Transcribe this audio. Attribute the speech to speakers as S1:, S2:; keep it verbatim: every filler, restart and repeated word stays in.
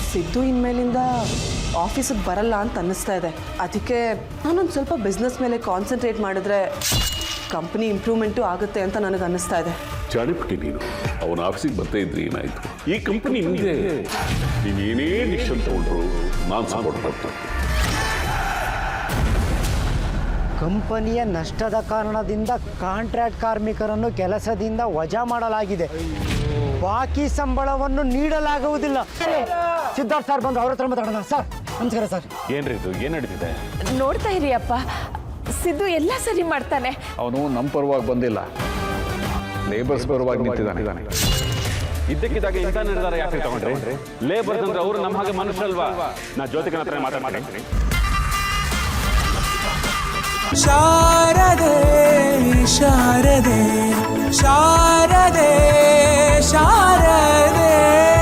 S1: ಸಿದ್ದು ಇನ್ಮೇಲಿಂದ ಆಫೀಸಿಗೆ ಬರಲ್ಲ ಅಂತ ಅನ್ನಿಸ್ತಾ ಇದೆ. ಅದಕ್ಕೆ ನಾನೊಂದು ಸ್ವಲ್ಪ ಬಿಸ್ನೆಸ್ ಮೇಲೆ ಕಾನ್ಸಂಟ್ರೇಟ್ ಮಾಡಿದ್ರೆ ಕಂಪ್ನಿ ಇಂಪ್ರೂವ್ಮೆಂಟು ಆಗುತ್ತೆ ಅಂತ ನನಗೆ ಅನ್ನಿಸ್ತಾ ಇದೆ.
S2: ಚಾಣಿಪುಟ್ಟಿ ನೀನು ಅವನ ಆಫೀಸಿಗೆ ಬರ್ತಾ ಇದ್ರಿ ಏನಾಯಿತು? ಈ ಕಂಪನಿ ನಿಮಗೆ ನೀನು ಏನೇ ಡಿಸಿಷನ್ ತಗೊಂಡ್ರು ನಾನು ಸಪೋರ್ಟ್ ಮಾಡ್ತೀನಿ.
S3: ಕಂಪನಿಯ ನಷ್ಟದ ಕಾರಣದಿಂದ ಕಾಂಟ್ರಾಕ್ಟ್ ಕಾರ್ಮಿಕರನ್ನು ಕೆಲಸದಿಂದ ವಜಾ ಮಾಡಲಾಗಿದೆ. ಬಾಕಿ ಸಂಬಳವನ್ನು ನೀಡಲಾಗುವುದಿಲ್ಲ. ಸಿದ್ಧಾರ್ಥ್ ಸರ್ ಬಂದು ಅವ್ರ ಹತ್ರ ಮಾತಾಡೋಣ. ಸರ್ ನಮಸ್ಕಾರ ಸರ್.
S4: ಏನ್ರಿ ಇದು ಏನು ನಡೀತಿದೆ?
S5: ನೋಡ್ತಾ ಇರಿ ಅಪ್ಪ, ಸಿದ್ದು ಎಲ್ಲ ಸರಿ ಮಾಡ್ತಾನೆ.
S4: ಅವನು ನಮ್ಮ ಪರವಾಗಿ ಬಂದಿಲ್ಲ, ಲೇಬರ್ಸ್ ಪರವಾಗಿ ನಿಂತಿದ್ದಾನೆ.
S6: ಇದ್ದಕ್ಕಿದ್ದಾಗ ಇಂಥ ನಿರ್ಧಾರ ಯಾಕೆ ತಗೊಂಡ್ರಿ? ಲೇಬರ್ಸ್ ಅಂದ್ರೆ ಅವರು ನಮ್ಮ ಹಾಗೆ ಮನುಷ್ಯರಲ್ವಾ? ನಾ ಜ್ಯೋತಿಕನ ಹತ್ರ ಮಾತಾಡ್ತೀನಿ.
S7: ಶಾರದೆ ಶಾರದೆ ಶಾರದೆ ಶಾರದೆ